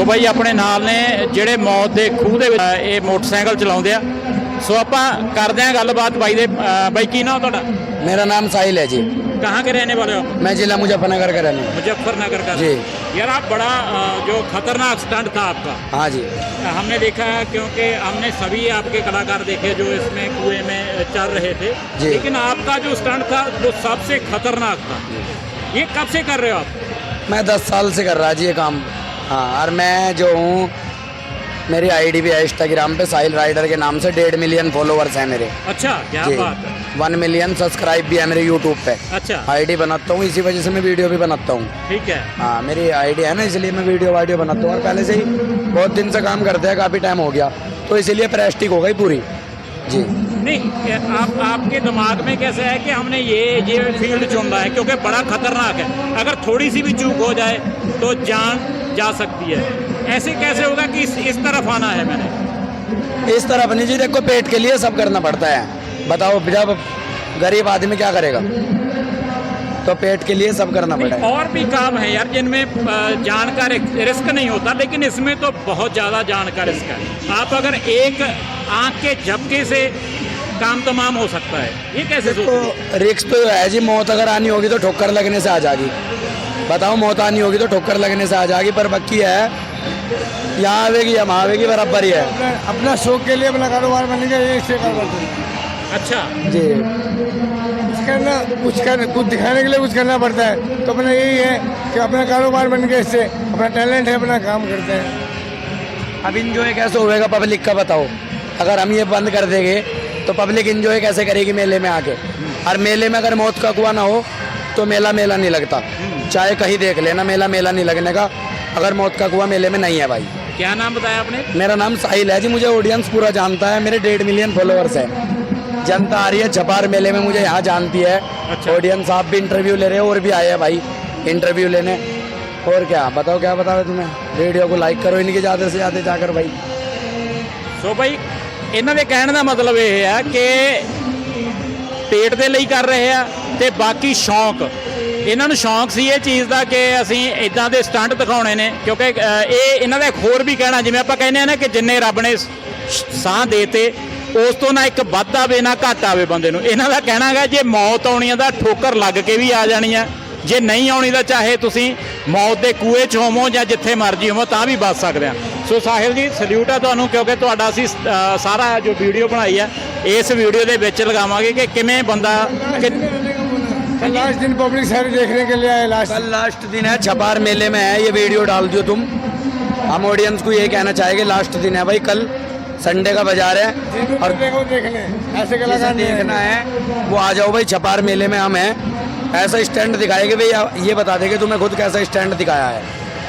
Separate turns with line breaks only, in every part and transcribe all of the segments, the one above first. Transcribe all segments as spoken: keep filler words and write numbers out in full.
ਸੋ ਬਾਈ ਆਪਣੇ ਨਾਲ ਨੇ ਜਿਹੜੇ ਮੌਤ ਦੇ ਖੂਹ ਦੇ ਵਿੱਚ ਇਹ ਮੋਟਰਸਾਈਕਲ ਚਲਾਉਂਦੇ ਆ। ਸੋ ਆਪਾਂ ਕਰਦੇ ਆਂ ਗੱਲਬਾਤ ਬਾਈ ਦੇ। ਬਾਈ ਕੀ ਨਾਮ ਤੁਹਾਡਾ?
मेरा नाम साहिल है जी।
कहाँ के रहने वाले हो?
मैं जिला मुजफ्फरनगर का रहने वाला।
मुजफ्फरनगर का
जी।
यार आप बड़ा अ, जो खतरनाक स्टंट था आपका।
हाँ जी।
हमने देखा है क्योंकि हमने सभी आपके कलाकार देखे जो इसमें कुएं में चल रहे थे,
जी।
लेकिन आपका जो स्टंट था वो सबसे खतरनाक था। ये कब से कर रहे हो आप?
मैं दस साल से कर रहा जी ये काम। हाँ, और मैं जो हूँ मेरी आईडी भी है इंस्टाग्राम पे साहिल राइडर के नाम से। डेढ़ मिलियन फॉलोवर्स हैं मेरे।
अच्छा, क्या
जी।
बात है।
वन मिलियन सब्सक्राइब भी है मेरे यूट्यूब पे।
अच्छा,
आईडी बनाता हूँ, इसी वजह से मैं वीडियो भी बनाता हूँ।
ठीक है।
हाँ, मेरी आईडी है ना, इसलिए मैं वीडियो वाडियो बनाता हूँ। और पहले से ही बहुत दिन से काम करते हैं, काफ़ी टाइम हो गया, तो इसीलिए प्रेस्टिक हो गई पूरी जी।
नहीं, आप आपके दिमाग में कैसे है कि हमने ये ये फील्ड चुन रहा है क्योंकि बड़ा खतरनाक है, अगर थोड़ी सी भी चूक हो जाए तो जान जा सकती है। ऐसे कैसे होगा कि इस, इस तरफ आना है मैंने?
इस तरफ नहीं जी, देखो पेट के लिए सब करना पड़ता है। बताओ, जब गरीब आदमी क्या करेगा, तो पेट के लिए सब करना पड़ता है।
और भी काम है यार जिनमें अ, जान का रिस्क नहीं होता, लेकिन इसमें तो बहुत ज़्यादा जान का रिस्क है। आप अगर एक आंख के झपके से काम तमाम हो सकता है, ये कैसे
तो
सोचते?
रिस्क तो है जी। मौत अगर आनी होगी तो ठोकर लगने से आ जाएगी। बताओ, मौत आनी होगी तो ठोकर लगने से आ जाएगी, पर बाकी है यहाँ आवेगी हम आवेगी बराबर ही है।
अपना अपना शौक के लिए अपना कारोबार बनेगा, ये इससे कारोबार।
अच्छा
जी।
कुछ करना कुछ करना कुछ दिखाने के लिए कुछ करना पड़ता है, तो अपना यही है कि अपना कारोबार बन गया, इससे अपना टैलेंट है, अपना काम करते हैं।
अब इंजॉय कैसे होएगा पब्लिक का, बताओ। अगर हम ये बंद कर देंगे तो पब्लिक इंजॉय कैसे करेगी मेले में आके? और मेले में अगर मौत का कुआं ना हो तो मेला मेला नहीं लगता। चाहे कहीं देख लेना, मेला मेला नहीं लगने का अगर मौत का कुआं मेले में नहीं है भाई।
क्या नाम बताया आपने?
मेरा नाम साहिल है जी। मुझे ऑडियंस पूरा जानता है, मेरे डेढ़ मिलियन फॉलोअर्स हैं। जनता आ रही है छपार मेले में, मुझे यहाँ जानती है।
अच्छा।
ऑडियंस आप भी इंटरव्यू ले रहे हो, और भी आए हैं भाई इंटरव्यू लेने। और क्या बताओ, क्या बताओ तुम्हें? वीडियो को लाइक करो इनके ज़्यादा से ज़्यादा जाकर भाई।
ਸੋ ਬਈ ਇਹਨਾਂ ਦੇ ਕਹਿਣ ਦਾ ਮਤਲਬ ਇਹ ਹੈ ਕਿ ਪੇਟ ਦੇ ਲਈ ਕਰ ਰਹੇ ਆ ਤੇ ਬਾਕੀ ਸ਼ੌਂਕ, ਇਹਨਾਂ ਨੂੰ ਸ਼ੌਂਕ ਸੀ ਇਹ ਚੀਜ਼ ਦਾ ਕਿ ਅਸੀਂ ਇਦਾਂ ਦੇ ਸਟੰਟ ਦਿਖਾਉਣੇ ਨੇ। ਕਿਉਂਕਿ ਅ, ਇਹ ਇਹਨਾਂ ਦਾ ਇੱਕ ਹੋਰ ਵੀ ਕਹਿਣਾ, ਜਿਵੇਂ ਆਪਾਂ ਕਹਿੰਦੇ ਆ ਨਾ ਕਿ ਜਿੰਨੇ ਰੱਬ ਨੇ ਸ਼- ਸਾਹ ਦੇਤੇ ਉਸ ਤੋਂ ਨਾ ਇੱਕ ਵੱਧ ਆਵੇ ਨਾ ਘੱਟ ਆਵੇ ਬੰਦੇ ਨੂੰ। ਇਹਨਾਂ ਦਾ ਕਹਿਣਾ ਹੈਗਾ ਜੇ ਮੌਤ ਆਉਣੀ ਆ ਤਾਂ ਠੋਕਰ ਲੱਗ ਕੇ ਵੀ ਆ ਜਾਣੀ ਆ, ਜੇ ਨਹੀਂ ਆਉਣੀ ਤਾਂ ਚਾਹੇ ਤੁਸੀਂ ਮੌਤ ਦੇ ਕੂਏ 'ਚ ਹੋਵੋ ਜਾਂ ਜਿੱਥੇ ਮਰਜੀ ਹੋਵੋ ਤਾਂ ਵੀ ਬਚ ਸਕਦੇ ਆ। ਸੋ ਸਾਹਿਲ ਜੀ ਸਲੂਟ ਆ ਤੁਹਾਨੂੰ, ਕਿਉਂਕਿ ਤੁਹਾਡਾ ਅਸੀਂ ਅ, ਸਾਰਾ ਜੋ ਵੀਡੀਓ ਬਣਾਈ ਆ ਇਸ ਵੀਡੀਓ ਦੇ ਵਿੱਚ ਲਗਾਵਾਂਗੇ ਕਿ ਕਿਵੇਂ ਬੰਦਾ ਕਿ
लास्ट दिन पब्लिक सारी देखने के लिए आए। लास्ट
कल लास्ट दिन है, छपार मेले में है, ये वीडियो डाल दियो तुम। हम ऑडियंस को ये कहना चाहेंगे लास्ट दिन है भाई, कल संडे का बाजार है और
देखो देखने ऐसे
जिसे
कलाकार
देखना है वो आ जाओ भाई। छपार मेले में हम हैं, ऐसा स्टैंड दिखाएंगे भाई, ये बता देंगे तुम्हें खुद कैसा स्टैंड दिखाया है।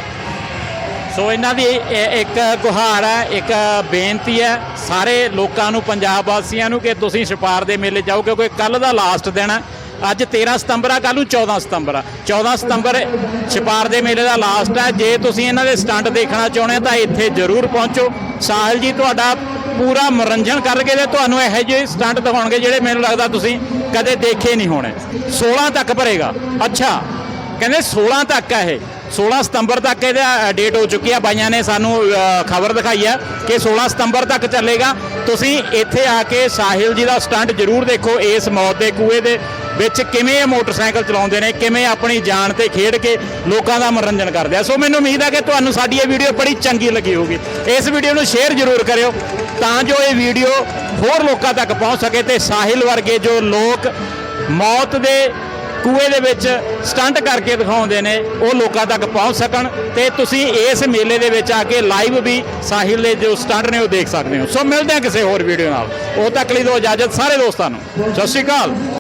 ਸੋ ਇਹਨਾਂ ਦੀ ਇਹ ਇੱਕ ਗੁਹਾਰ ਹੈ, ਇੱਕ ਬੇਨਤੀ ਹੈ ਸਾਰੇ ਲੋਕਾਂ ਨੂੰ, ਪੰਜਾਬ ਵਾਸੀਆਂ ਨੂੰ, ਕਿ ਤੁਸੀਂ ਛਪਾਰ ਦੇ ਮੇਲੇ ਜਾਓ, ਕਿਉਂਕਿ ਕੱਲ ਦਾ ਲਾਸਟ ਦਿਨ ਹੈ। ਅੱਜ ਤੇਰਾਂ ਸਤੰਬਰ ਆ, ਕੱਲ੍ਹ ਨੂੰ ਚੌਦਾਂ ਸਤੰਬਰ ਆ। ਚੌਦਾਂ ਸਤੰਬਰ ਛਪਾਰ ਦੇ ਮੇਲੇ ਦਾ ਲਾਸਟ ਹੈ। ਜੇ ਤੁਸੀਂ ਇਹਨਾਂ ਦੇ ਸਟੰਟ ਦੇਖਣਾ ਚਾਹੁੰਦੇ ਤਾਂ ਇੱਥੇ ਜ਼ਰੂਰ ਪਹੁੰਚੋ। ਸਾਹਿਲ ਜੀ ਤੁਹਾਡਾ ਪੂਰਾ ਮਨੋਰੰਜਨ ਕਰਕੇ ਤੇ ਤੁਹਾਨੂੰ ਇਹੋ ਜਿਹੇ ਸਟੰਟ ਦਿਖਾਉਣਗੇ ਜਿਹੜੇ ਮੈਨੂੰ ਲੱਗਦਾ ਤੁਸੀਂ ਕਦੇ ਦੇਖੇ ਨਹੀਂ ਹੋਣੇ। ਸੋਲਾਂ ਤੱਕ ਭਰੇਗਾ। ਅੱਛਾ, ਕਹਿੰਦੇ ਸੋਲਾਂ ਤੱਕ ਹੈ ਇਹ, ਸੋਲਾਂ ਸਤੰਬਰ ਤੱਕ ਇਹਦਾ ਡੇਟ ਹੋ ਚੁੱਕੀ ਆ। ਬਾਈਆਂ ਨੇ ਸਾਨੂੰ ਖਬਰ ਦਿਖਾਈ ਹੈ ਕਿ ਸੋਲਾਂ ਸਤੰਬਰ ਤੱਕ ਚੱਲੇਗਾ। ਤੁਸੀਂ ਇੱਥੇ ਆ ਕੇ ਸਾਹਿਲ ਜੀ ਦਾ ਸਟੰਟ ਜ਼ਰੂਰ ਦੇਖੋ। ਇਸ ਮੌਤ ਦੇ ਕੂਏ ਦੇ ਵਿੱਚ ਕਿਵੇਂ ਇਹ ਮੋਟਰਸਾਈਕਲ ਚਲਾਉਂਦੇ ਨੇ, ਕਿਵੇਂ ਆਪਣੀ ਜਾਨ ਤੇ ਖੇਡ ਕੇ ਲੋਕਾਂ ਦਾ ਮਨੋਰੰਜਨ ਕਰਦੇ ਆ। ਸੋ ਮੈਨੂੰ ਉਮੀਦ ਹੈ ਕਿ ਤੁਹਾਨੂੰ ਸਾਡੀ ਇਹ ਵੀਡੀਓ ਬੜੀ ਚੰਗੀ ਲੱਗੀ ਹੋਊਗੀ। ਇਸ ਵੀਡੀਓ ਨੂੰ ਸ਼ੇਅਰ ਜ਼ਰੂਰ ਕਰਿਓ ਤਾਂ ਜੋ ਇਹ ਵੀਡੀਓ ਹੋਰ ਲੋਕਾਂ ਤੱਕ ਪਹੁੰਚ ਸਕੇ ਤੇ ਸਾਹਿਲ ਵਰਗੇ ਜੋ ਲੋਕ ਮੌਤ ਦੇ ਕੂਏ ਦੇ ਵਿੱਚ ਸਟੰਟ ਕਰਕੇ ਦਿਖਾਉਂਦੇ ਨੇ ਉਹ ਲੋਕਾਂ ਤੱਕ ਪਹੁੰਚ ਸਕਣ ਤੇ ਤੁਸੀਂ ਇਸ ਮੇਲੇ ਦੇ ਵਿੱਚ ਆ ਕੇ ਲਾਈਵ ਵੀ ਸਾਹਿਲ ਦੇ ਜੋ ਸਟੰਟ ਨੇ ਉਹ ਦੇਖ ਸਕਦੇ ਹੋ। ਸੋ ਮਿਲਦੇ ਹਾਂ ਕਿਸੇ ਹੋਰ ਵੀਡੀਓ ਨਾਲ। ਉਦੋਂ ਤੱਕ ਲਈ ਦਿਓ ਇਜਾਜ਼ਤ ਸਾਰੇ ਦੋਸਤਾਂ ਨੂੰ। ਸਤਿ ਸ਼੍ਰੀ ਅਕਾਲ।